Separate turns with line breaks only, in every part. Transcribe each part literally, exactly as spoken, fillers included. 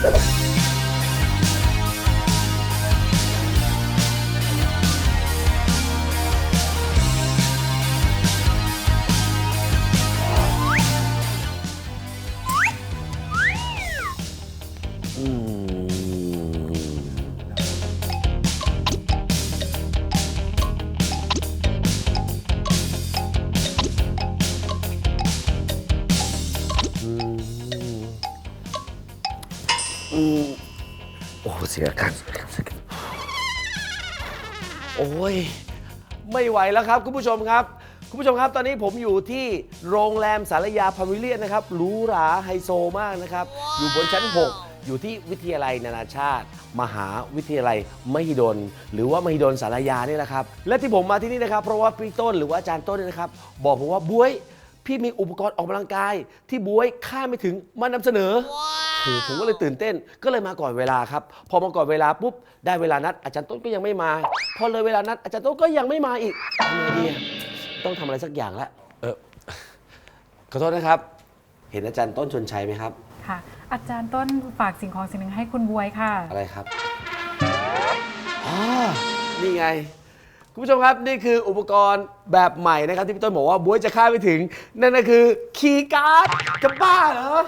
โอ้เสียกันโอ้ยไม่ไหวแล้วครับคุณผู้ชมครับคุณผู้ชมครับตอนนี้ผมอยู่ที่โรงแรมสารยาพาวิเลียนนะครับหรูหราไฮโซมากนะครับอยู่บนชั้นหกอยู่ที่วิทยาลัยนานาชาติมหาวิทยาลัยมหิดลหรือว่ามหิดลสารยานี่แหละครับและที่ผมมาที่นี่นะครับเพราะว่าพี่ต้นหรือว่าอาจารย์ต้นนี่นะครับบอกผมว่าบ๊วยพี่มีอุปกรณ์ออกกำลังกายที่บ๊วยคาดไม่ถึงมานำเสนอโอ้ผมก็เลยตื่นเต้นก็เลยมาก่อนเวลาครับพอมาก่อนเวลาปุ๊บได้เวลานัดอาจารย์ต้นก็ยังไม่มาพอเลยเวลานัดอาจารย์ต้นก็ยังไม่มาอีกทำไงดีต้องทำอะไรสักอย่างละเออขอโทษนะครับเห็นอาจารย์ต้นชวนชัยไหมครับ
ค่ะอาจารย์ต้นฝากสิ่งของสิ่งหนึ่งให้คุณบ๊วยค่ะ
อะไรครับอ๋อนี่ไงคุณผู้ชมครับนี่คืออุปกรณ์แบบใหม่นะครับที่พี่ต้นบอกว่าบ๊วยจะคาดไม่ถึงนั่นก็คือคีย์การ์ดจะบ้าเหรอ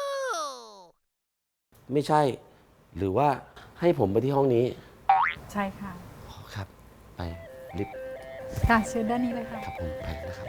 ไม่ใช่หรือว่าให้ผมไปที่ห้องนี้
ใช่ค่ะ
ครับไปลิฟต์
ค่ะเชิญด้านนี้เลยค่ะ
ครับผมไปนะครับ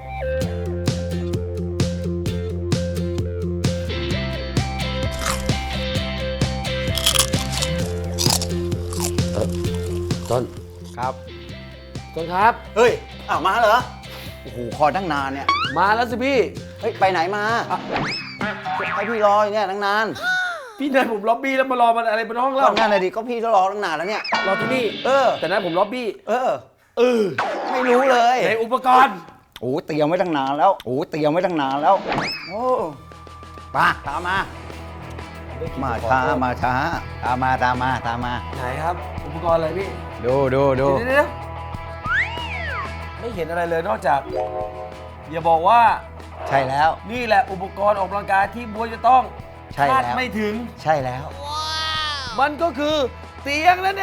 เออต้น
ครับ
ต้นครับ
เฮ้ยอ้าวมาเหรอโอ้โหคอยตั้งนานเนี่ย
มาแล้วสิพี่
เฮ้ยไปไหนมาให้พี่รออยู่เนี่ยตั้งนาน
พี่นายผมล็อบบี้แล้วมารอมันอะไรบนห้องเรา
ก็นั่นเลยดิก็พี่รอตั้งนานแล้วเนี่ย
รอที่นี่
เออ
แต่นั้นผมล็อบบี้
เออ
เออ
ไม่รู้เลย
ในอุปกรณ์
โอ้เตรียมไว้ตั้งนานแล้วโอ้เตรียมไว้ตั้งนานแล้วโอ้มาตามมามาช้ามาช้าตามมาตามมาตามมา
ไหนครับอุปกรณ์อะไรพี่
ดูดูดู
เดี๋ยวไม่เห็นอะไรเลยนอกจากอย่าบอกว่า
ใช่แล้ว
นี่แหละอุปกรณ์ออกกำลังกายที่บ๊วยจะต้องคาดไม่ถึง
ใช่แล้ว
มันก็คือเตียงนั่นเอง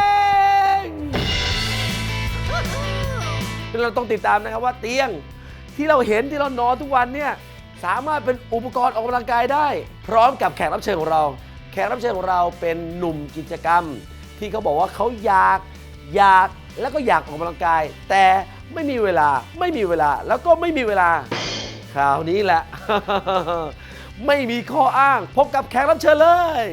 เราต้องติดตามนะครับว่าเตียงที่เราเห็นที่เรานอนทุกวันเนี่ยสามารถเป็นอุปกรณ์ออกกำลังกายได้พร้อมกับแขกรับเชิญของเราแขกรับเชิญของเราเป็นหนุ่มกิจกรรมที่เขาบอกว่าเขาอยากอยากแล้วก็อยากออกกำลังกายแต่ไม่มีเวลาไม่มีเวลาแล้วก็ไม่มีเวลาคราวนี้แหละ ไม่มีข้ออ้างพบกับแขกรับเชิญเลย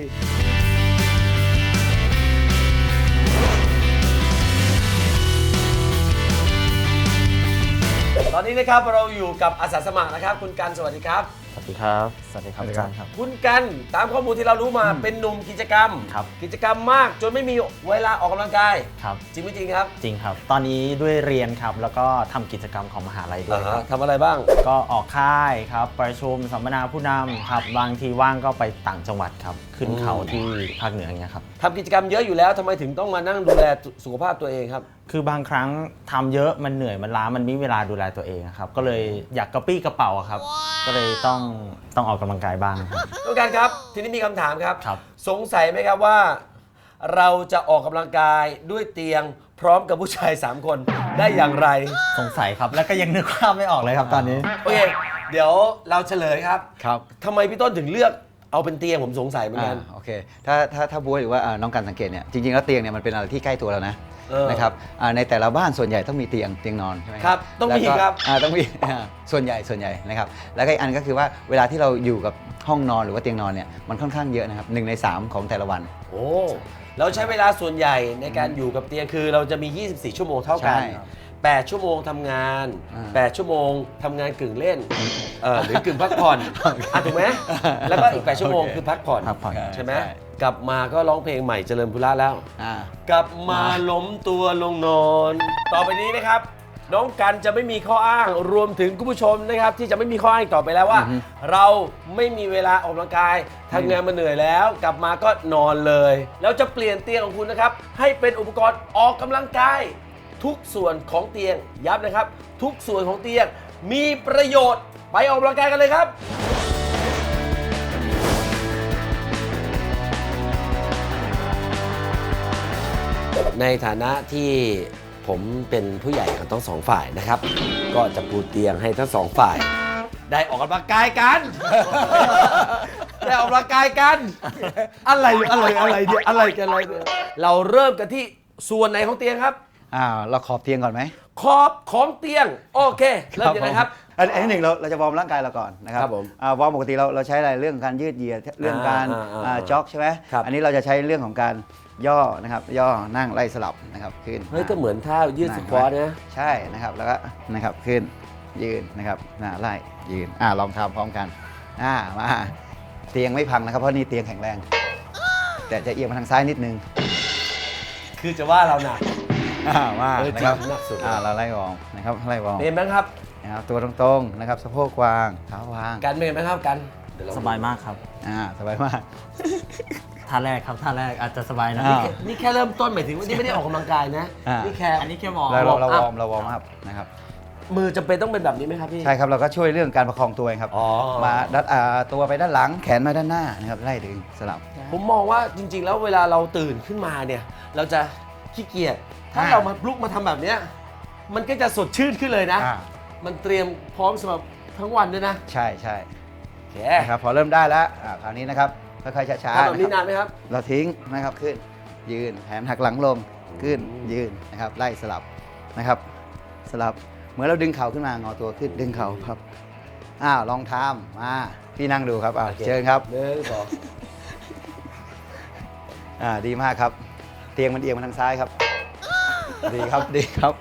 ตอนนี้นะครับเราอยู่กับอาสาสมัครนะครับคุณกันสวัสดีครับ
สวัสดีครับสวัสดีครับอาจารย์ครับ
คุณกันตามข้อมูลที่เรารู้มาเป็นหนุ่มกิจกรรม
ครับ
กิจกรรมมากจนไม่มีเวลาออกกำลังกาย
ครับ
จริงไม่จริงครับ
จริงครับตอนนี้ด้วยเรียนครับแล้วก็ทำกิจกรรมของมหาลัยด้วย
ทำอะไรบ้าง
ก็ออกค่ายครับประชุมสัมมนาผู้นำครับบางทีว่างก็ไปต่างจังหวัดครับขึ้นเขาที่ภาคเหนืออย่างเงี้ยครับ
ทำกิจกรรมเยอะอยู่แล้วทำไมถึงต้องมานั่งดูแลสุขภาพตัวเองครับ
คือบางครั้งทำเยอะมันเหนื่อยมันล้ามันไม่มีเวลาดูแลตัวเองครับก็เลยอยากกระปี้กระเป๋าครับก็เลยต้องต้องออกกำลังกายบ้างครับ
ทุกการครับทีนี้มีคำถามครับ
ครับ
สงสัยไหมครับว่าเราจะออกกำลังกายด้วยเตียงพร้อมกับผู้ชายสามคนได้อย่างไร
สงสัยครับแล้วก็ยังนึกภาพไม่ออกเลยครับตอนนี้
โอเคเดี๋ยวเราเฉลยครับ
ครับ
ทำไมพี่ต้นถึงเลือกเอาเป็นเตียงผมสงสัยเหมือนกัน
โอเคถ้าถ้าถ้าบ๊วยหรือว่าน้องกันสังเกตเนี่ยจริงๆแล้วเตียงเนี่ยมันเป็นอะไรที่ใกล้ตัวเรานะนะครับในแต่ละบ้านส่วนใหญ่ต้องมีเตียงเตียงนอนใช่ไหม
ครับต้องมีครับ
ต้องมีส่วนใหญ่ส่วนใหญ่นะครับแล้วก็อีกอันก็คือว่าเวลาที่เราอยู่กับห้องนอนหรือว่าเตียงนอนเนี่ยมันค่อนข้างเยอะนะครับหนึ่งในสามของแต่ละวัน
โอ้เราใช้เวลาส่วนใหญ่ในการอยู่กับเตียงคือเราจะมียี่สิบสี่ชั่วโมงเท่ากันแปดชั่วโมงทำงานแปดชั่วโมงทำงานกึ่งเล่นหรือกึ่งพักผ่อนถูกไหมแล้วก็อีกแปดชั่วโมงคือพักผ่อนใช่ไหมกลับมาก็ร้องเพลงใหม่เจริญพุระแล้วกลับมาล้มตัวลงนอนต่อไปนี้นะครับน้องกันจะไม่มีข้ออ้างรวมถึงคุณผู้ชมนะครับที่จะไม่มีข้ออ้างต่อไปแล้วว่าเราไม่มีเวลาออกกำลังกายทำงานมาเหนื่อยแล้วกลับมาก็นอนเลยแล้วจะเปลี่ยนเตียงของคุณนะครับให้เป็นอุปกรณ์ออกกำลังกายทุกส่วนของเตียงย้ำนะครับทุกส่วนของเตียงมีประโยชน์ไปออกกำลังกายกันเลยครับในฐานะที่ผมเป็นผู้ใหญ่ของทั้งสองฝ่ายนะครับ ก็จะปูเตียงให้ทั้งสองฝ่าย ได้ออกกำลังกายกัน ได้ออกกำลังกายกัน อะไรอะไรอะไรเดียวอะไรกันอะไรเนี่ยเราเริ่มกันที่ส่วนไหนของเตียงครับ
อ่าเราขอบเตียงก่อนไหม
ขอบของเตียง โอเค เริ่มยังไงครับ
อันอันที่หนึ่งเราเราจะวอร์มร่างกายเราก่อนนะครับ
ครับผม
อ่าวอร์มปกติเราเราใช้อะไรเรื่องการยืดเหยียดเรื่องการ
อ่าอ่า
อ่า
อ่า
จ็อกใช่ไหม
ครับ
อันนี้เราจะใช้เรื่องของการย่อนะครับย่อนั่งไล่สลับนะครับขึ้น
เฮ้ยก็เหมือนท่ายืดสควอตนะ
ใช่นะครับแล้วก็นะครับขึ้นยืนนะครับหน้าไล่ยืนอ่าลองทำพร้อมกันอ่ามาเตียงไม่พังนะครับเพราะนี่เตียงแข็งแรง แต่จะเอียงมาทางซ้ายนิดนึง
คือจะว่าเราหนัก
อ่ามา
เออ
นะครับ
จริงหนักสุด
อ่าเราไล่วอร์มนะครับไล่วอร์ม
เป็นไหมครับ
นะครับตัวตรงๆนะครับสะโพกวางเท้าวาง
กันเป็นไหมครับกันเดี๋วเร
สบายมากครับ
อ่าสบายมาก
ท่าแรกครับท่าแรกอาจจะสบายนะ
อ่า
นี่แค่เริ่มต้นหมายถึงว่านี่ไม่ได้ออกกำลังกายนะ
อ่านี่
นี่แค่
อันนี้แค่มอง
เราเราเรา
warm
ว
up
อร์มเราวอร์มอัพนะครับ
มือจำเป็นต้องเป็นแบบนี้ไหมครับพี่
ใช่ครับเราก็ช่วยเรื่องการประคองตัวเองครับ
อ๋อ
มาดัดอ่าตัวไปด้านหลังแขนมาด้านหน้านะครับไล่ดึงสลับ
ผมมองว่าจริง ๆ แล้วเวลาเราตื่นขึ้นมาเนี่ยเราจะขี้เกียจถ้า
อ่า
เรามาลุกมาทำแบบเนี้ยมันก็จะสดชื่นขึ้นเลยนะ
อ่า
มันเตรียมพร้อมสำหรับทั้งวันด้วยนะ
ใช่ใช่
โอเค
นะครับพอเริ่มได้แล้วอ่าคราวนี้นะครับค่อยๆช้า
ทำ
ๆ
แบบนี้
นะค
นา
รับ
นไหมครับ
เราทิ้งนะครับขึ้นยืนแขนหักหลังลงขึ้นยืนนะครับไล่สลับนะครับ สลับเหมือนเราดึงเข่าขึ้นมางอตัวขึ้นดึงเข่าครับอ้าวลองทำมาพี่นั่งดูครับอ่า
โอเค
เชิญครับ
หนึ่งสอง
อ่าดีมากครับ เตียงมันเอียงมาทางซ้ายครับ ดีครับดีครับ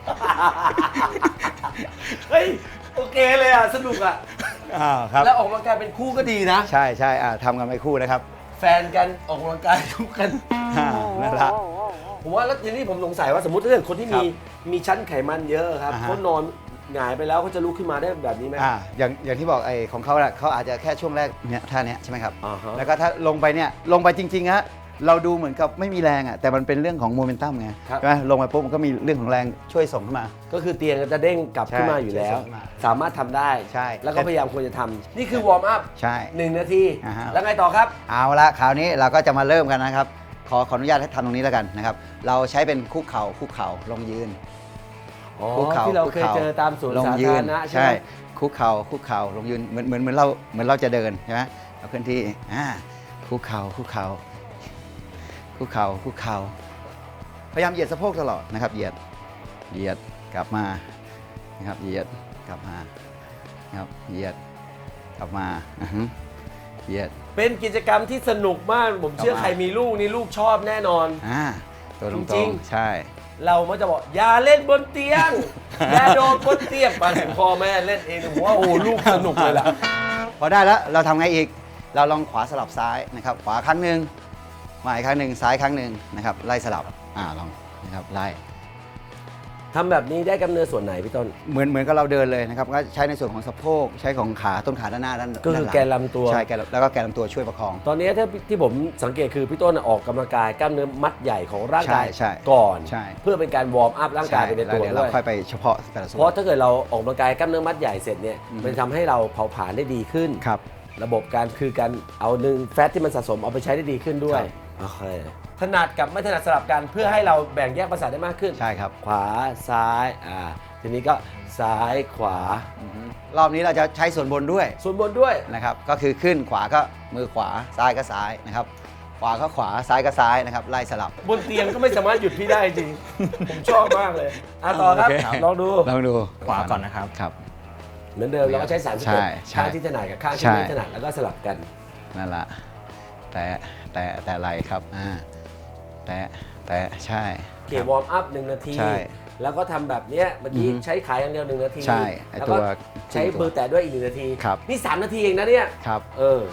เฮ้ยโอเคเลยอ่ะสนุกอ่ะ
อ้าวครับ
แล้วออกกำลังกายเป็นคู่ก็ดีนะ
ใช่ใช่อ่าทำกันไปคู่นะครับ
แฟนกันออกกำลังกายคู่กัน
อ่านั่นละ
ผมว่าแล้วทีนี้ผมสงสัยว่าสมมติถ้าเกิดคนที่มีมีชั้นไขมันเยอะครับ
อ่าฮะ
เขานอนหงายไปแล้วเขาจะลุกขึ้นมาได้แบบนี้ไหม
อ่าอย่างอย่างที่บอกไอ้ของเขาแหละเขาอาจจะแค่ช่วงแรกเนี่ยท่าเนี้ยใช่ไหมครับ
อ่าฮะ
แล้วก็ถ้าลงไปเนี่ยลงไปจริงๆฮะเราดูเหมือนกับไม่มีแรงอ่ะแต่มันเป็นเรื่องของโมเมนตัมไง
ครับ
ใช่ไหมลงไปปุ๊บมันก็มีเรื่องของแรงช่วยส่งขึ้นมา
ก็คือเตียงจะเด้งกลับ
ใช่
ขึ้นมาอยู่แล้ว
ใช่ใช่
สามารถทำได้
ใช่
แล้วก็พยายามควรจะทำนี่คือวอร์มอัพ
ใช่
หนึ่งนาที
อ่าฮะ
แล้วไงต่อครับ
เอาละคราวนี้เราก็จะมาเริ่มกันนะครับ ขอขออนุญาตให้ทำตรงนี้แล้วกันนะครับ เราใช้เป็นคุกเข่าคุกเข่าลงยืน
อ๋อ
คุกเข่า
ที่เรา
คุก
เคย
ข่
เจอตามสวน
ลง
สา
ยื
ธารณะใช่
ใช่
ไหม
คุกเข่าคุกเข่าลงยืนเหมือนเหมือนเหมือนเราเหมือนเราจะเดินใช่ไหมเราเคลื่อนที่อ่าคุกเข่าคุกเข่าคุกเข่าคุกเข่าพยายามเหยียดสะโพกตลอดนะครับเหยียดเหยียดกลับมานะครับเหยียดกลับมานะครับเหยียดกลับมาอือฮึเหยียด
เป็นกิจกรรมที่สนุกมาก ผมเชื่อ
ต่อมา
ใครมีลูกนี่ลูกชอบแน่นอน
อ่าตัวต
จ
ร
ริ
ง
ง
ๆใช่
เรามักจะบอกอย่าเล่นบนเตีย ง อย่าโดนบนเตียงมาถึงพ่อแม่เล่นเองผมว่าโอ้โหลูกสนุกเลยล่ะ
พอได้แล้วเราทำไงอีก เราลองขวาสลับซ้ายนะครับ ขวาครั้งหนึ่งมาอีกครั้งหนึ่งซ้ายครั้งหนึ่งนะครับ ไล่สลับอ่าลองนะครับไล่
ทำแบบนี้ได้กำเนิดส่วนไหนพี่ต้น
เหมือนเหมือนกับเราเดินเลยนะครับก็ใช้ในส่วนของสะโพกใช้ของขาต้นขาด้านหน้าด้าน
ก็คือ
ด้าหง
แกนลำตัว
ใช่แกนแล้วก็แกนลำตัวช่วยประคอง
ตอนนี้ถ้าที่ผมสังเกตคือพี่ต้นออกกำลังกายกล้ามเนื้อมัดใหญ่ของร่างกาย
ใช่ใช่
ก่อน
ใช่
เพื่อเป็นการวอร์มอัพร่างกายไปใน
แล้
ตัว
เดี๋ยว
ด้
เรา
วย
ค่อยไปเฉพาะแต่ละส่วน
เพราะถ้าเกิดเราออกกำลังกายกล้ามเนื้อมัดใหญ่เสร็จเนี่ย
อืม
มันทำให้เราเผาผลาญได้ดีขึ้น
ครับ
ระบบการคือการเอาหนึ่งแฟตที่มันสะสมเอาไปใช้ได้ดีขึ้นด้ว
ครั
ย
บ
โอเคถนัดกับไม่ถนัดสลับกันเพื่อให้เราแบ่งแยกประสาทได้มากขึ้น
ใช่ครับ
ขวาซ้ายอ่าทีนี้ก็ซ้ายขวา
อือฮึรอบนี้เราจะใช้ส่วนบนด้วย
ส่วนบนด้วย
นะครับก็คือขึ้นขวาก็มือขวาซ้ายก็ซ้ายนะครับขวาก็ขวาซ้ายก็ซ้ายนะครับไล่สลับ
บนเตียงก็ไม่สามารถหยุดพี่ได้จริง ผมชอบมากเลยอ่ะต่อครับ
โอเค
ลองดู
ลองดู
ขวาก่อนนะครับ
ครับ
เหมือนเดิมเราก็ใช้สามสิบ
ใช่
เอ็ด
ใช่
ข้างที่ถนัดกับข้างที่
ใช่
ไม่ถนัดแล้วก็สลับกัน
นั่นละแต่แต่แต่ไหลครับอ่าแต่แต่ใช่
เกี่ยววอร์มอัพหนึ่งนาที
ใช่
แล้วก็ทำแบบเนี้ยเมื่อกี้
อือฮึ
ใช้ขาอย่างเดียวหนึ่งนาที
ใช่ไอ้
แล้ว
ตั
ก็
ว
ใช้มือแตะด้วยอีกหนึ่งนาที
ครับ
นี่สามนาทีเองนะเนี่ย
ครับ
เออ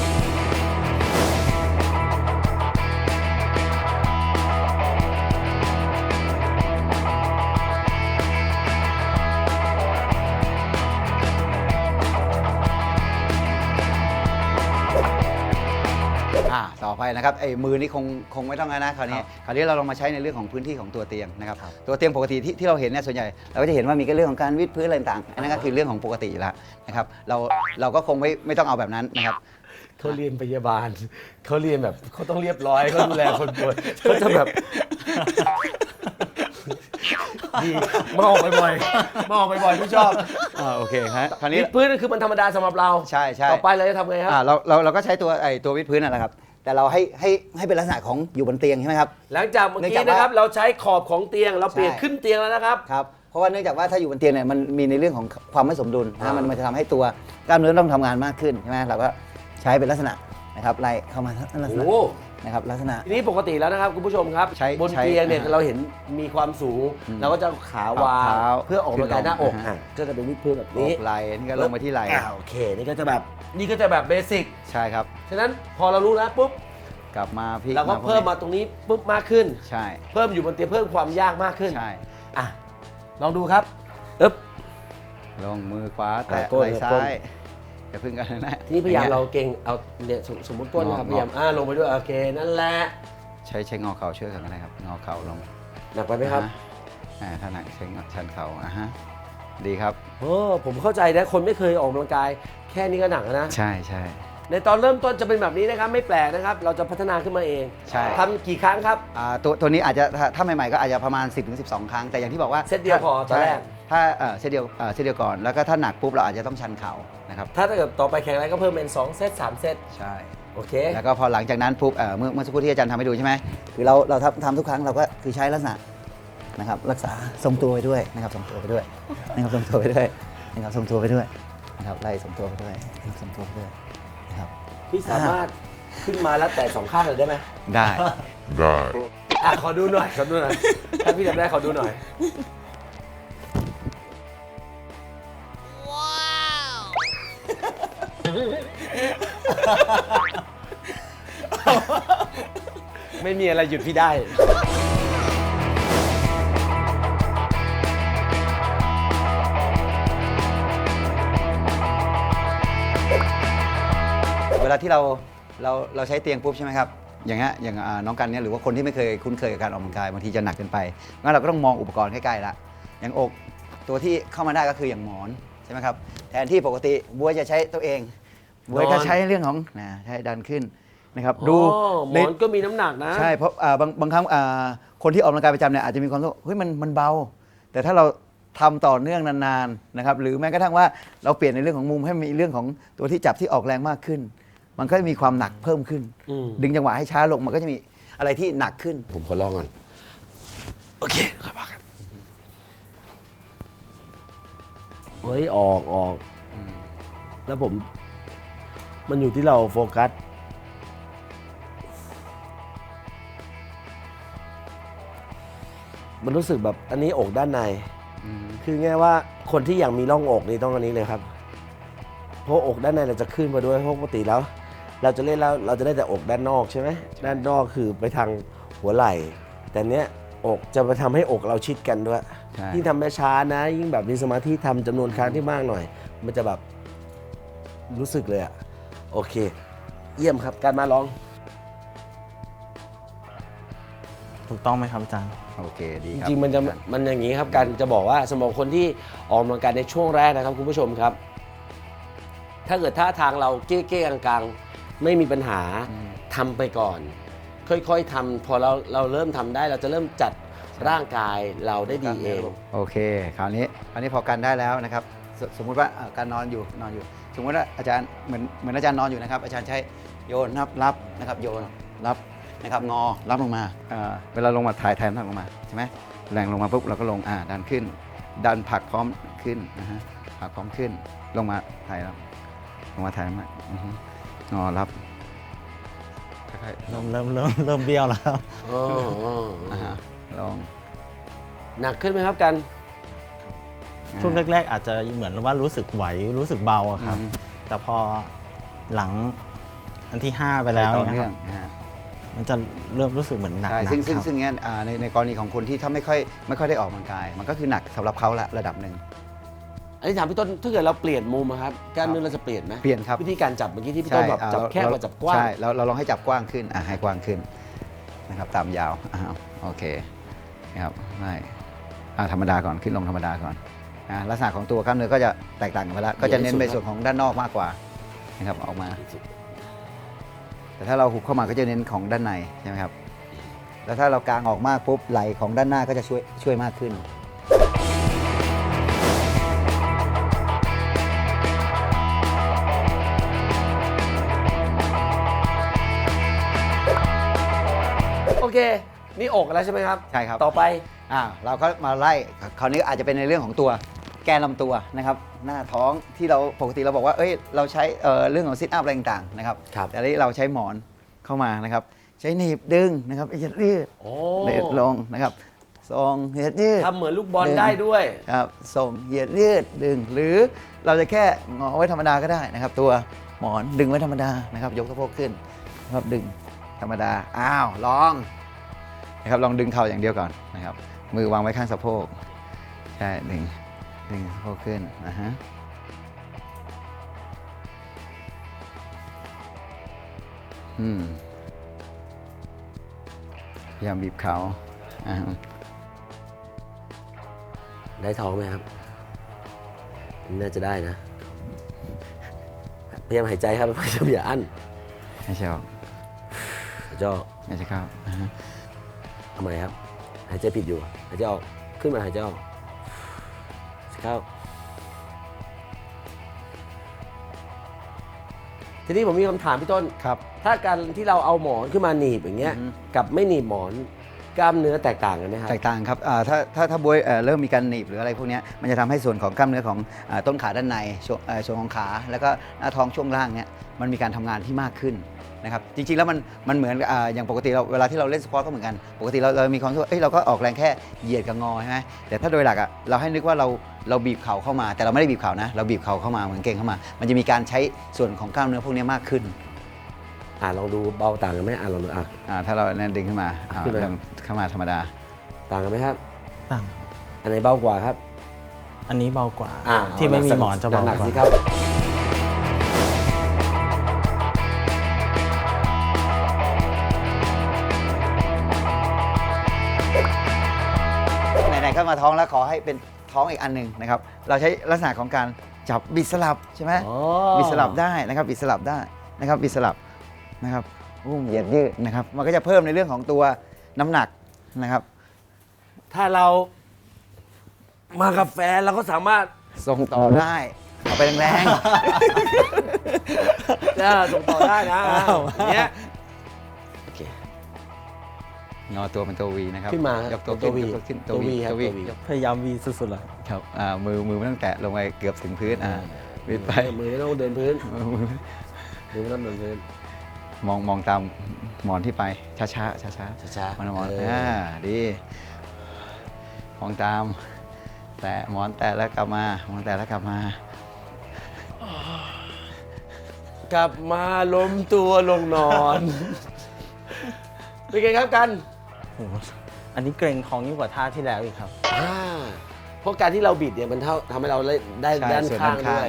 อ่าต่อไปนะครับไอ้มือนี่คงคงไม่ต้องแล้วนะคราวนี้คราวนี้เราลองมาใช้ในเรื่องของพื้นที่ของตัวเตียงนะครับตัวเตียงปกติที่ที่เราเห็นเนี่ยส่วนใหญ่เราก็จะเห็นว่ามีก็เรื่องของการวิดพื้นอะไรต่างๆอันนั้นก็คือเรื่องของปกติอยู่แล้วนะครับเราเราก็คงไม่ไม่ต้องเอาแบบนั้นนะครับ
เขาเรียนพยาบาล เขาเรียนแบบเขาต้องเรียบร้อยเขาดูแลคนป่วยเขาจะแบบดีมาออกบ่อยๆมาออกบ่อยๆพี่ชอบ
อ่าโอเคฮะคราวนี้
วิดพื้นคือมันธรรมดาสำหรับเรา
ใช่ใช่
ต่อไปเราจะทำไงครับ
อ่าเราเราเราก็ใช้ตัวไอ้ตัววิดพื้นนั่นแหละครับ แต่เราให้ให้ให้เป็นลักษณะของอยู่บนเตียงใช่ไหมครับ
หลังจากเมื่อ
เนื่อง
กี้
จากว่า
นะครับเราใช้ขอบของเตียงเราเปลี่ยน
ใช่
ขึ้นเตียงแล้วนะครับ
ครับเพราะว่าเนื่องจากว่าถ้าอยู่บนเตียงเนี่ยมันมีในเรื่องของความไม่สมดุล
อ่า
นะมันมันจะทำให้ตัวกล้ามเนื้อต้องทำงานมากขึ้นใช่ไหมเราก็ใช้เป็นลักษณะนะครับไล่เข้ามาลักษณะ
โอ้
นะครับลักษณะ
ทีนี้ปกติแล้วนะครับคุณผู้ชมครับ
ใช้
บน
ใช้
เตียงเนี่ย
อ่า
เราเห็นมีความสูง
อืม
เราก็จะเอาขาวาง
เอาเท้า
เพื่อออกกำลังกายหน้าอก
ขึ้นลง
อ่ะก็จะเป็นวิดพื้นแบบ
นี้
นี้
ไหล่นี่ก็ลงไปที่ไหล่
อ่าโอเคนี่ก็จะแบบนี่ก็จะแบบเบสิก
ใช่ครับ
ฉะนั้นพอเรารู้แล้วปุ๊บ
กลับมาพลิก
เราก็เพิ่มมาตรงนี้ปุ๊บมากขึ้น
ใช่
เพิ่มอยู่บนเตียงเพิ่มความยากมากขึ้น
ใช่
อ่ะลองดูครับอึ๊บ
ลงมือขวาแตะ
อ่าก้น
ไหล่ซ้า
ก้น
ยอย่าพึ่งกันนะ
ทีนี้พยายาม
อง
เรา
งี้
เก่งเอาเนี่ยสมสมมติก้นนะครับ
งอ
พยายามอ่าลงไปด้วยโอเคนั่นแหละ
ใช้ใช้งอเข่าช่วยกันก็ได้ครับงอเข่าลง
หนักไปไหมครับ
อ่าอ่าถ้าหนักใช้งอชันเข่าอ่ะฮะดีครับ
โอ้ผมเข้าใจนะคนไม่เคยออกกำลังกาย แค่นี้ก็หนักแล้วนะ
ใช่ใช่
ในตอนเริ่มต้นจะเป็นแบบนี้นะครับไม่แปลกนะครับ เราจะพัฒนาขึ้นมาเอง
ใช่
ทำกี่ครั้งครับ
อ่าตัวตัวนี้อาจจะถ้าถ้าใหม่ๆก็อาจจะประมาณ สิบถึงสิบสอง ครั้ง แต่อย่างที่บอกว่า
เซตเดียวพอตอนแรก
ใช่ถ้าเอ่อเซตเดียวเอ่อเซตเดียวก่อนแล้วก็ถ้าหนักปุ๊บเราอาจจะต้องชันเข่านะครับ
ถ้าถ้าเกิดต่อไปแข่งอะไรก็เพิ่มเป็นสองเซตสามเซต
ใช่
โอเค
แล้วก็พอหลังจากนั้นปุ๊บเอ่อเมื่อเมื่อสักครู่ที่อาจารย์ทำให้ดูใช่ไหมคือเราเราทำทำทุกครั้งเราก็คือใช้ลักษณะนะครับรักษาทรงตัวไปด้วยนะครับทรงตัวไปด้วยนะครับทรงตัวไปด้วยนะครับทรงตัวไปด้วยนะครับไล่ทรงตัวไปด้วยนะครับทรงตัวไปด้วยนะครับ
พี่สามารถขึ้นมาแล้วแต่สองข้างเลยได้ไหม
ได้
อ่ะขอดูหน่อยขอดูหน่อยถ้าพี่ทำได้ขอดูหน่อยไม่มีอะไรหยุดพี่ได้
เวลาที่เราเราเราใช้เตียงปุ๊บใช่ไหมครับอย่างเงี้ยอย่างอ่าน้องกันเนี่ยหรือว่าคนที่ไม่เคยคุ้นเคยกับการออกกำลังกายบางทีจะหนักเกินไปงั้นเราก็ต้องมองอุปกรณ์ใกล้ๆละอย่างอกตัวที่เข้ามาได้ก็คืออย่างหมอนใช่ไหมครับแทนที่ปกติบัวจะใช้ตัวเองบัวก็ใช้เรื่องของนะใช้ดันขึ้นนะครับดู
อ๋อหม
ใน
อนก็มีน้ำหนักนะ
ใช่เพราะอ่าบางบางครั้งอ่าคนที่ออกกำลังกายประจำเนี่ยอาจจะมีความรู้สึกเฮ้ยมันมันเบา แต่ถ้าเราทำต่อเนื่องนานๆนะครับหรือแม้กระทั่งว่าเราเปลี่ยนในเรื่องของมุมให้มีเรื่องของตัวที่จับที่ออกแรงมากขึ้น มันก็จะมีความหนักเพิ่มขึ้น
อืม
ดึงจังหวะให้ช้าลงมันก็จะมีอะไรที่หนักขึ้น
ผมขอลองก่อน โอเคครับครับเฮ้ย ออกออก แล้วผม มันอยู่ที่เราโฟกัส มันรู้สึกแบบอันนี้อกด้านใน คือง่ายว่าคนที่อยากมีร่องอกนี่ต้องอันนี้เลยครับ เพราะอกด้านในเราจะขึ้นมาด้วยเพราะปกติแล้ว เราจะเล่นแล้วเราจะได้แต่อกด้านนอกใช่ไหมด้านนอกคือไปทางหัวไหล่ แต่เนี้ยอกจะไปทำให้อกเราชิดกันด้วย
ใช่
ยิ่งทำช้าๆนะ ยิ่งแบบมีสมาธิทำจำนวนครั้งที่มากหน่อย มันจะแบบรู้สึกเลยอะโอเค เยี่ยมครับการมาลอง
ถูกต้องไหมครับอาจารย์
โอเคดี
จ
ครับ
ริงๆมันจะมันอย่างนี้ครับการจะบอกว่าสำหรับคนที่ออกกำลังกายในช่วงแรกนะครับคุณผู้ชมครับ ถ้าเกิดท่าทางเราเก้ๆกลางๆไม่มีปัญหาทำไปก่อน ค่อยๆทำพอเราเราเริ่มทำได้เราจะเริ่มจัดร่างกายเราได้ดีเอง
โอเคคราวนี้คราวนี้พอกันได้แล้วนะครับสสมมุติว่าอ่าการนอนอยู่นอนอยู่ สมมติว่าอาจารย์เหมือนเหมือนอาจารย์นอนอยู่นะครับ อาจารย์ใช้โยนนับรับนะครับโยนรับนะครับงอรับลงมาอ่าเวลาลงมาถ่ายถ่ายน้ำหนักลงมาใช่ไหมแรงลงมาปุ๊บเราก็ลงอ่าดันขึ้น ดันผลักพร้อมขึ้นนะฮะผลักพร้อมขึ้นลงมาถ่ายแล้วลงมาถ่ายน้ำหนักอือฮึงอรับค่อยๆ
เริ่มเริ่มเริ่มเริ่มเบี้ยวแล้วครับ
อ๋ออ๋อ
อ่าฮะลอง
หนักขึ้นไหมครับกัน
ช่วงแรกๆ อาจจะเหมือนว่ารู้สึกไหวรู้สึกเบาอะครับ
อืม
แต่พอหลังอันที่ห้าไปแล้ว
ต่อ
นะ
เนื่
ค
อ
รั
ง
บ
นะฮะ
มันจะเริ่มรู้สึกเหมือนหนัก
ใช่
ๆ
ซึ่งซึ่ง
ครับ
ซึ่งเนี้ยอ่าในในกรณีของคนที่ถ้าไม่ค่อยไม่ค่อยได้ออกกำลังกาย มันก็คือหนักสำหรับเขาละระดับหนึ่ง
อันนี้ถามพี่ต้นถ้าเกิดเราเปลี่ยนมุมอะครับกล้ามเนื้อเราจะเปลี่ยนไหม
เปลี่ยนครับ
วิธีการจับเมื่อกี้ที่พี่ต้นแบบ
อ่า
จับ
เรา
แคบ
เรา
กับจับกว้าง
ใช่เราเราลองให้จับกว้างขึ้นอ่ะให้กว้างขึ้นนะครับตามยาวอ้าวโอเคนะครับไม่อ่าธรรมดาก่อนขึ้นลงธรรมดาก่อนอ่าลักษณะของตัวกล้ามเนื้อก็จะแตกต่างกันไปแล้วก็จะเน้นในส่วนของด้านนอกมากกว่านะครับออกมา แต่ถ้าเราหุบเข้ามาก็จะเน้นของด้านในใช่ไหมครับแล้วถ้าเรากางออกมากปุ๊บไหล่ของด้านหน้าก็จะช่วยช่วยมากขึ้น
โอเค นี่อกแล้วใช่ไหมครับ
ใช่ครับ
ต่อไป
อ่าเราก็มาไล่คราวนี้อาจจะเป็นในเรื่องของตัวแกนลำตัวนะครับหน้าท้องที่เราปกติเราบอกว่าเอ้ยเราใช้เอ่อเรื่องของซิทอัพอะไรต่างๆนะครับ
ครับ
แต่อันนี้เราใช้หมอนเข้ามานะครับใช้หนีบดึงนะครับเหยียดยืด
โอ้
เหยียดลงนะครับทรงเหยียดยืด
ทำเหมือนลูกบอลได้ด้วย
ครับส่งเหยียดยืดดึง หรือเราจะแค่งอไว้ธรรมดาก็ได้นะครับ ตัวหมอนดึงไว้ธรรมดานะครับยกสะโพกขึ้นนะครับดึงธรรมดาอ้าวลองนะครับลองดึงเข่าอย่างเดียวก่อนนะครับมือวางไว้ข้างสะโพกใช่ดึงดึงสะโพกขึ้นนะฮะอืมพยายามบีบเขาอ่า
ได้ท้องไหมครับ น่าจะได้นะ พยายามหายใจครับ พยายามอย่าอั้น
ไม่ใช่ออก
หายใจออก
ไม่ใช่เข้าอ่าฮะ
ทำไมครับ หายใจผิดอยู่ หายใจออก ขึ้นมาหายใจออกเข้า ทีนี้ผมมีคำถามพี่ต้น
ครับ
ถ้าการที่เราเอาหมอนขึ้นมาหนีบอย่างเงี้ย
อือฮึ
กับไม่หนีบหมอนกล้ามเนื้อแตกต่างกันไหมครับ
แตกต่างครับอ่าถ้าถ้าถ้าบวยเอ่อเริ่มมีการหนีบหรืออะไรพวกเนี้ยมันจะทำให้ส่วนของกล้ามเนื้อของอาต้นขาด้านในช่วงเอ่อส่วนของขา แล้วก็หน้าท้องช่วงล่างเนี้ยมันมีการทำงานที่มากขึ้นนะครับจริงๆแล้วมันมันเหมือนอ่าอย่างปกติเราเวลาที่เราเล่นสควอตก็เหมือนกันปกติเราเรามีความรู้สึกว่าเอ้ยเราก็ออกแรงแค่เหยียดกับงอใช่ไหมแต่ถ้าโดยหลักอ่ะเราให้นึกว่าเราเราบีบเข่าเข้ามาแต่เราไม่ได้บีบเข่านะเราบีบเข่าเข้ามาเหมือนเก่งเข้ามา มันจะมีการใช้ส่วนของกล้ามเนื้อพวกเนี้ยมากขึ้น
อ่าลองดูเบาต่างกันไหมอ่าลองดูอ่ะ
อ่าถ้าเราเนี่ยดึงขึ้นมาอ่า
ขึ้นมา
เริ่มเข้ามาธรรมดา
ต่างกันไหมครับ
ต่าง
อันไหนเบากว่าครับ
อันนี้เบากว่า
อ่า
ที่ไม่มีหมอนจะเบา
หนัก
ก
ๆสิ
ว่า
ครับ
ไหนๆก็มาท้องแล้วขอให้เป็นท้องอีกอันหนึ่งนะครับ เราใช้ลักษณะของการจับบิดสลับใช่ไหม
อ๋อ
บิดสลับได้นะครับบิดสลับได้นะครับบิดสลับนะครับอุ้มเหยียดยืดนะครับ มันก็จะเพิ่มในเรื่องของตัวน้ำหนักนะครับ
ถ้าเรามากับแฟนเราก็สามารถ
ส่งต่อได้เอาไปแรง
จะส่งต่อได้นะอ่าอย่างเนี้ยโอเค
ๆงอตัวเป็นตัววีนะครับ
ขึ้นมาย
กตัว
ตัว V
ขึ้นยกตัวขึ้น
ตัว V ครับ
ตัววี
ตัว V
พยายามวีสุดๆเลย
ครับอ่ามือมือไม่ต้องแตะลงไปเกือบถึงพื้นอ่าวิดไป
มือไม่ต้องเดินพื้น
มือ
มือไม่ต้องเดินพื้น
มองมองตามหมอนที่ไปช้าๆช้าช้า
ช้า
ๆมองหมอน
เอออ่
อ่าดีมองตาม แตะหมอนแตะแล้วกลับมามองแตะแล้วกลับมา
กลับมาล้มตัวลงนอน เป็นไงครับกัน
โอ้โหอันนี้เกรงท้องยิ่งกว่าท่าที่แล้วอีกครับ
อ่าเพราะการที่เราบิดเนี่ยมันเท่าทำให้เราได้ได้
ใช่
ด้าน
ส่วน
ข้าง
ด้านข้าง
ด้วย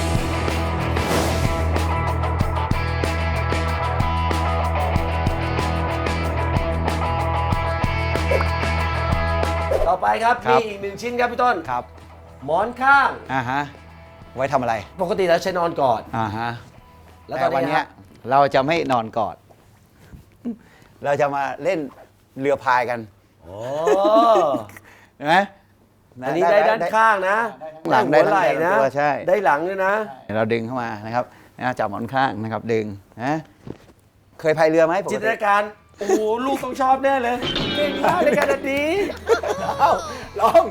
ต่อไปครับ
ครั
มี
บ
อีกหนึ่งชิ้นครับพี่ต้น
ครับ
หมอนข้าง
อ่าฮะไว้ทำอะไร
ปกติเราใช้นอนก่อน
อ่าฮะ
แล้วต
แต่
อน
วัน
นี้
เนี้
ค
ย
รับ
เราจะไม่นอนกอด เราจะมาเล่นเรือพายกัน
โอ้
เห็นไหม
อันนี้ได้ด้านข้างนะ
หลังได้
หัวไหล่
ทั้
นะ
ตัวใช่
ได้หลังด้วยนะ
เราดึงเข้ามานะครับนะจับหมอนข้างนะครับดึงนะเคยพายเรือไหมปก
จินต
ติ
นาการ โอ้โห ลูกต้องชอบแน่เลย เก่งมากในการดี
เอ้าลอง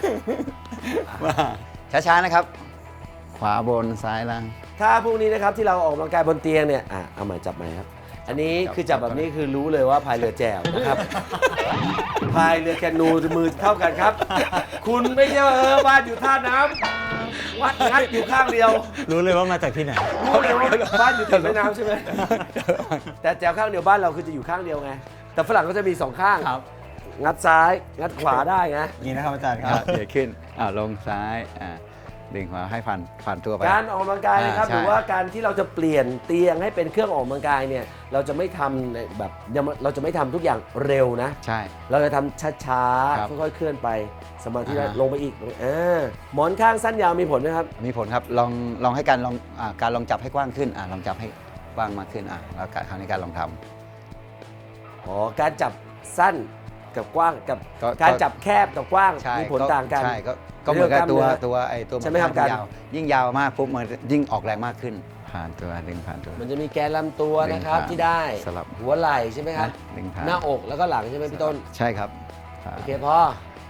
มาช้าๆนะครับ ขวาบนซ้ายล่าง
ถ้าพวกนี้นะครับที่เราออกกำลังกายบนเตียงเนี่ย อ่ะ เอาใหม่จับใหม่ครับ อันนี้
จับ
คือจับแบบนี้คือรู้เลยว่าพายเรือแจวนะครับ พายเรือแคนูมือเท่ากันครับ คุณไม่ใช่ว่าเออบ้านอยู่ท่าน้ำวัดงัดอยู่ข้างเดียว
รู้เลยว่ามาจากที่ไหน
รู้เลยว่าบ้านอยู่ติดแม่น้ำใช่ไหม แต่แจวข้างเดียวบ้านเราคือจะอยู่ข้างเดียวไง แต่ฝรั่งก็จะมีสองข้าง
ครับ
งัดซ้าย งัดขวาได้ไง
นี่นะครับอาจารย์ค
อ่ะ
รับ
เดี๋ยวขึ้นอ่าลงซ้ายอ่าดึงขวาให้ผ่านผ่านตัวไป
การออกกำลังกายนะครับ
อ่าใช่
หรือว่าการที่เราจะเปลี่ยนเตียงให้เป็นเครื่องออกกำลังกายเนี่ยเราจะไม่ทำในแบบยังเราจะไม่ทำทุกอย่างเร็วนะ
ใช่
เราจะทำช้า
ครับ
ๆค่อยๆเคลื่อนไปสมาธิ
อ่า
ลงไปอีกอ่าหมอนข้างสั้นยาวมีผลไหมครับ
มีผลครับลองลองให้การลองอ่าการลองจับให้กว้างขึ้นอ่าลองจับให้กว้างมากขึ้นอ่าแล้วการคราวนี้การลองทำ
อ๋อการจับสั้นกับกว้างกับ
ก็
การ
ก็
จับแคบกับกว้าง
ใช่
มีผลต่างกัน
ใช่ก็ก็เหมือนกับตัว
เรื่องกล้ามเนื้อ
ตัวไอ้ตัว
ใช่ไหมครับ
น
การ
ยาวยิ่งยาวมากปุ๊บมันยิ่งออกแรงมากขึ้น ผ่านตัวดึงผ่านตัว
มันจะมีแกนลำตัว
ดึง
นะครับ
ผ่าน
ที่ได้
สลับ
หัวไหล่ใช่ไหมครับ
นะดึงผ่าน
หน้าอกแล้วก็หลังใช่ไหมพี่ต้น
ใช่ครับผ่าน
โอเคพอ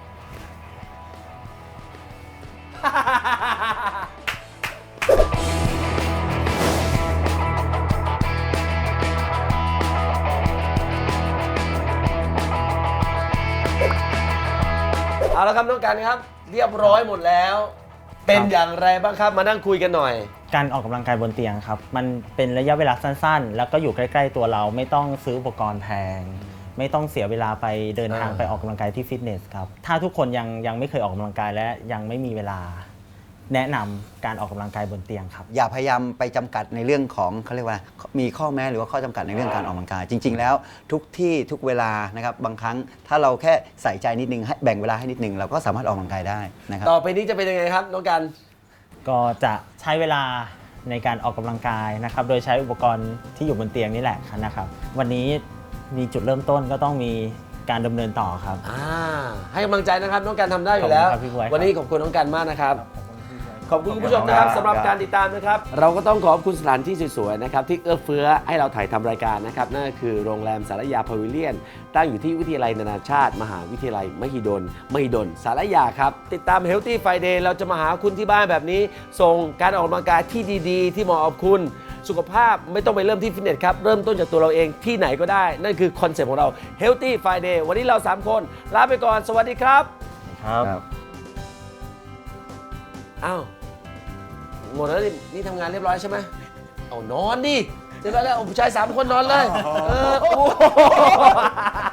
เอาละครับน้องกันครับ เรียบร้อยหมดแล้ว เป็นอย่างไรบ้างครับมานั่งคุยกันหน่อย
การออกกำลังกายบนเตียงครับมันเป็นระยะเวลาสั้นๆ แล้วก็อยู่ใกล้ๆตัวเราไม่ต้องซื้ออุปกรณ์แพง ไม่ต้องเสียเวลาไปเดินทาง
อ่า
ไปออกกำลังกายที่ฟิตเนสครับถ้าทุกคนยังยังไม่เคยออกกำลังกายและยังไม่มีเวลา แนะนำการออกกำลังกายบนเตียงครับ
อย่าพยายามไปจำกัดในเรื่องของเขาเรียกว่ามีข้อแม้หรือว่าข้อจำกัดในเรื่องการออกกำลังกาย จริง ๆ แล้วทุกที่ทุกเวลานะครับบางครั้งถ้าเราแค่ใส่ใจนิดนึงให้แบ่งเวลาให้นิดนึงเราก็สามารถออกกำลังกายได้นะครับ
ต่อไปนี้จะเป็นยังไงครับน้องกัน
ก็จะใช้เวลาในการออกกำลังกายนะครับ โดยใช้อุปกรณ์ที่อยู่บนเตียงนี่แหละนะครับ วันนี้มีจุดเริ่มต้นก็ต้องมีการดำเนินต่อครับ
อ่าให้กำลังใจนะครับน้องกันทำได้อยู่แล้ว
ขอบคุณครับพี่บ๊วยครับ
วันนี้ขอบคุณน้องกันมากนะครับ ขอบคุณคุณผู้ชมนะครับสำหรับการติดตามนะครับ เราก็ต้องขอบคุณสถานที่สวยๆนะครับที่เอื้อเฟื้อให้เราถ่ายทำรายการนะครับนั่นก็คือโรงแรมสารยาพาวิเลียน ตั้งอยู่ที่วิทยาลัยนานาชาติ มหาวิทยาลัยมหิดลมหิดลสารยาครับ ติดตาม Healthy Friday เราจะมาหาคุณที่บ้านแบบนี้ ส่งการออกกำลังกายที่ดีๆ ที่เหมาะกับคุณ สุขภาพไม่ต้องไปเริ่มที่ฟิตเนสครับเริ่มต้นจากตัวเราเองที่ไหนก็ได้ นั่นคือคอนเซ็ปต์ของเรา Healthy Friday วันนี้เราสามคนลาไปก่อนสวัสดีครับ
ครับ
ครับ
อ้าวหมดแล้วนี่นี่ทำงานเรียบร้อยใช่ไหมเอานอนดิเสร็จแล้วแล้วผู้ชายสามคนนอนเลยเออโอ้